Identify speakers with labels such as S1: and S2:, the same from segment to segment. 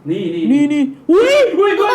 S1: นี่อุ้ย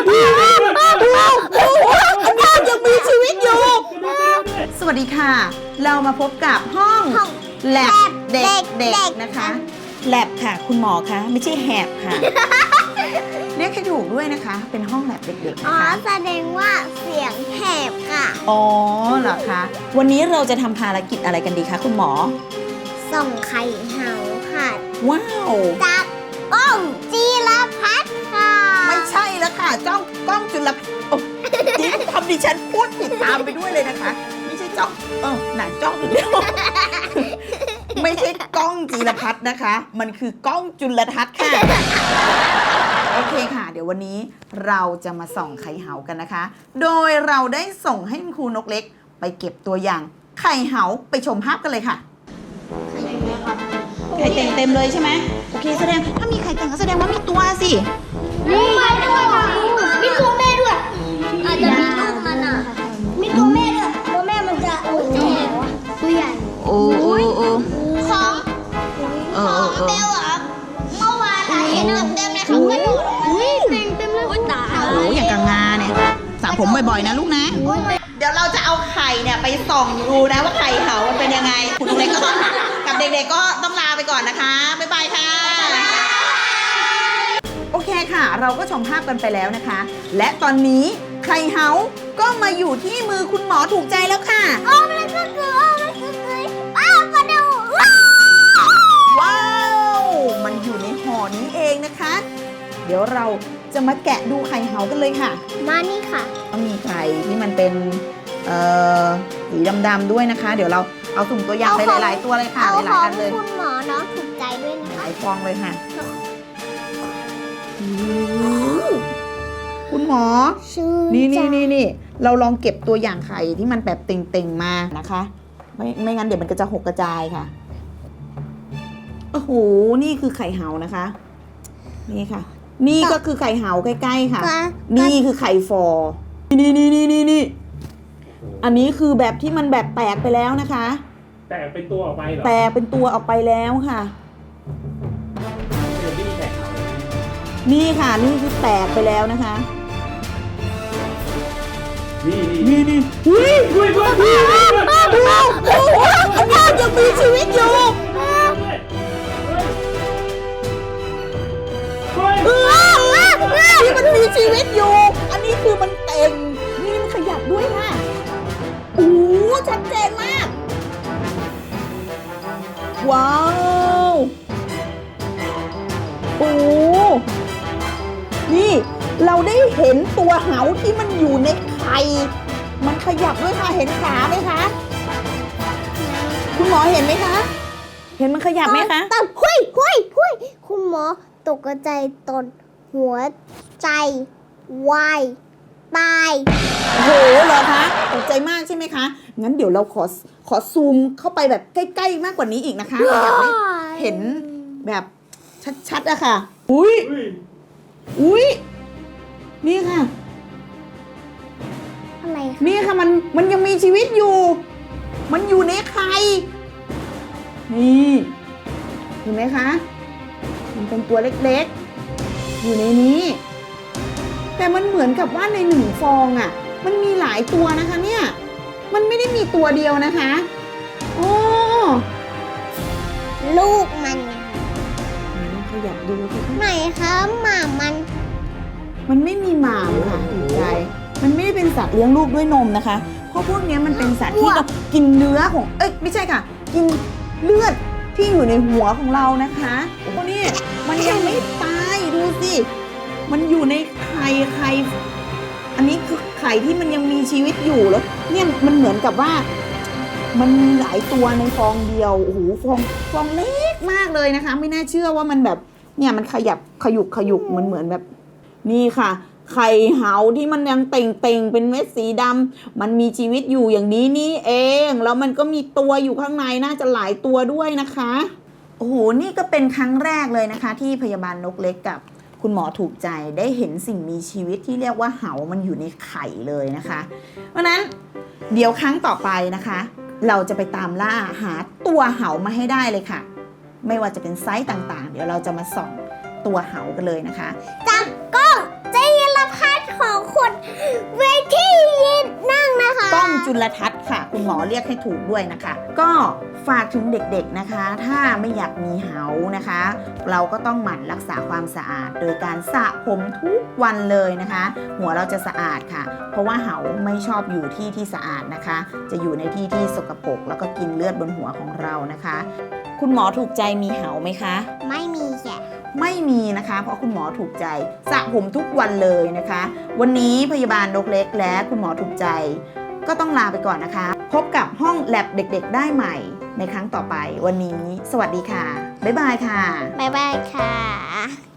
S1: อันนี้ยังมีชีวิตอยู่ สวัสดีค่ะ เรามาพบกับห้องแลบเด็กๆนะคะแลบค่ะคุณหมอคะไม่ใช่แหบค่ะ เรียกให้ถูกด้วยนะคะ เป็นห้องแลบเด็กๆ
S2: อ๋
S1: นะ
S2: อ
S1: คะ
S2: แสดงว่าเสียงแหบค่ะ
S1: อ๋อเหรอคะวันนี้เราจะทำภารกิจอะไรกันดีคะคุณหมอ
S2: ส่งไข่เห่าค่ะ
S1: ว้าว
S2: จากกล้องจีรพัฒน์ค่ะ
S1: ไม่ใช่แล้วค่ะกล้องจุลโอ้จริงทำดิฉันพูดผิดตามไปด้วยเลยนะคะ ไม่ใช่จ้องหนังจ้องอีกแล้ว ไม่ใช่กล้องจีรพัฒน์นะคะ มันคือกล้องจุลทัศน์ค่ะ โอเคค่ะ เดี๋ยววันนี้เราจะมาส่องไข่เหากันนะคะ โดยเราได้ส่งให้คุณครูนกเล็ก ไปเก็บตัวอย่างไข่เหาไปชมภาพกันเลยค่ะ ไข่เต็มเลยใช่ไหมโอเคแสดงถ้ามีไข่เต็มก็แสดงว่ามีตัวสิ
S2: มีแม่ด้วยมีตัวแม่ด้วยอาจจะมีลูกมันอ่ะมีตัวแม่ด้วยตัวแม่มันจะตัวใหญ่
S1: โอ้
S2: ของเบลอ่ะเมื่อวานเห็นเต็มเลยเขาก็ดูเต็มเลยตา
S1: โอ้อย่างกังงาเนี่ยสระผมบ่อยๆนะลูกนะ เดี๋ยวเราจะเอาไข่เนี่ยไปส่องดูนะว่าไข่เหามันเป็นยังไงคุณเล็กก็ต้องกับเด็กๆก็ต้องลาไปก่อนนะคะบ๊ายบายค่ะ โอเคค่ะ เราก็ชมภาพกันไปแล้วนะคะ และตอนนี้ไข่เหาก็มาอยู่ที่มือคุณหมอถูกใจแล้วค่ะ
S2: โอ้มันก็คืออ้าวมาดู
S1: ว้าว มันอยู่ในห่อนี้เองนะคะ เดี๋ยวเราจะมาแกะดูไข่เหากันเลยค่ะ
S2: มานี่ค่ะ
S1: ต้องมีไข่ที่มันเป็นสีดำๆด้วยนะคะ เดี๋ยวเราเอาสุ่มตัวอย่างไปหลายๆตัวเลยค่ะ
S2: เอา
S1: ห
S2: ข
S1: ลาย
S2: อ
S1: ๆ
S2: ง
S1: อันเลย
S2: คุณหมอน้องถูกใจด้วยนะ
S1: ห
S2: คะ
S1: ลายฟองเลยค่ะคุณหมอ
S2: ชื่อ
S1: นี่เราลองเก็บตัวอย่างไข่ที่มันแบบเต่งๆมานะคะ ไม่งั้นเดี๋ยวมันก็จะหกกระจายค่ะโอ้โหนี่คือไข่เหานะคะ นี่ค่ะ นี่ก็คือไข่เหาใกล้ๆค่ะ นี่คือไข่ฟอนี่อันนี้คือแบบที่มันแบบแตกไปแล้วนะคะ
S3: แตกเป็นตัวออกไปเหรอ
S1: แตกเป็นตัวออกไปแล้วค่ะ
S3: เดี๋ยวพี่แตกเอาเลย
S1: นี่ค่ะนี่คือแตกไปแล้วนะคะ
S3: นี่
S1: อุ้ยอันนี้ยังมีชีวิตอยู่นี่มันมีชีวิตอยู่ อันนี้คือมันเต็มนี่มันขยับด้วยค่ะโอ้ชัดเจนมาก ว้าวโอ้นี่เราได้เห็นตัวเหาที่มันอยู่ในไข่มันขยับด้วยค่ะ เห็นขาไหมคะ คุณหมอเห็นไหมคะ เห็นมันขยับไหมคะ
S2: แต่หุยคุณหมอตกใจตนหัวใจวายตาย
S1: โอ้โหเหรอคะตกใจมากใช่ไหมคะ งั้นเดี๋ยวเราขอซูมเข้าไปแบบใกล้ๆมากกว่านี้อีกนะคะอยากให้เห็นแบบชัดๆอะค่ะ อุ้ยนี่ค่ะ
S2: อะไรคะ
S1: นี่ค่ะมันยังมีชีวิตอยู่ มันอยู่ในไข่นี่เห็นไหมคะ มันเป็นตัวเล็กๆ อยู่ในนี้ แต่มันเหมือนกับว่าในหนึ่งฟองอ่ะ มันมีหลายตัวนะคะเนี่ย มันไม่ได้มีตัวเดียวนะคะโอ้
S2: ลูกมัน
S1: ลองขยับดูสิคะ
S2: ไหนคะหมามัน
S1: มันไม่มีหมามค่ะถูกใจมันไม่ได้เป็นสัตว์เลี้ยงลูกด้วยนมนะคะ เพราะพวกนี้มันเป็นสัตว์ที่เรากินเนื้อของ ไม่ใช่ค่ะ กินเลือดที่อยู่ในหัวของเรานะคะโอ้นี่มันยังไม่ตายดูสิ มันอยู่ในไข่ อันนี้คือไข่ที่มันยังมีชีวิตอยู่แล้ว เนี่ยมันเหมือนกับว่า มันมีหลายตัวในฟองเดียว โอ้โหฟองเล็กมากเลยนะคะ ไม่น่าเชื่อว่ามันแบบ เนี่ยมันขยับขยุกเหมือนแบบ นี่ค่ะ ไข่เหาที่มันยังเต่งเป็นเม็ดสีดำมันมีชีวิตอยู่อย่างนี้นี่เอง แล้วมันก็มีตัวอยู่ข้างในน่าจะหลายตัวด้วยนะคะ โอ้โห นี่ก็เป็นครั้งแรกเลยนะคะ ที่พยาบาลนกเล็กกับคุณหมอถูกใจได้เห็นสิ่งมีชีวิตที่เรียกว่าเหามันอยู่ในไข่เลยนะคะ เพราะนั้นเดี๋ยวครั้งต่อไปนะคะ เราจะไปตามล่าหาตัวเหามาให้ได้เลยค่ะ ไม่ว่าจะเป็นไซส์ต่างๆ เดี๋ยวเราจะมาส่องตัวเหากันเลยนะคะ
S2: จากกล้องเจรพัฒน์ของคุณเวทียืนนั่งนะคะ
S1: กล้องจุลทรรศน์ค่ะ คุณหมอเรียกให้ถูกด้วยนะคะ ก็ฝากถึงเด็กๆนะคะ ถ้าไม่อยากมีเหานะคะ เราก็ต้องหมั่นรักษาความสะอาด โดยการสระผมทุกวันเลยนะคะ หัวเราจะสะอาดค่ะ เพราะว่าเหาไม่ชอบอยู่ที่สะอาดนะคะ จะอยู่ในที่สกปรกแล้วก็กินเลือดบนหัวของเรานะคะ คุณหมอถูกใจมีเหาไหมคะ
S2: ไม่มีแกะ
S1: ไม่มีนะคะ เพราะคุณหมอถูกใจสระผมทุกวันเลยนะคะ วันนี้พยาบาลนกเล็กและคุณหมอถูกใจ ก็ต้องลาไปก่อนนะคะ พบกับห้องแลบเด็กๆได้ใหม่ในครั้งต่อไปวันนี้ สวัสดีค่ะ บ๊ายบายค่ะ
S2: บ๊ายบายค่ะ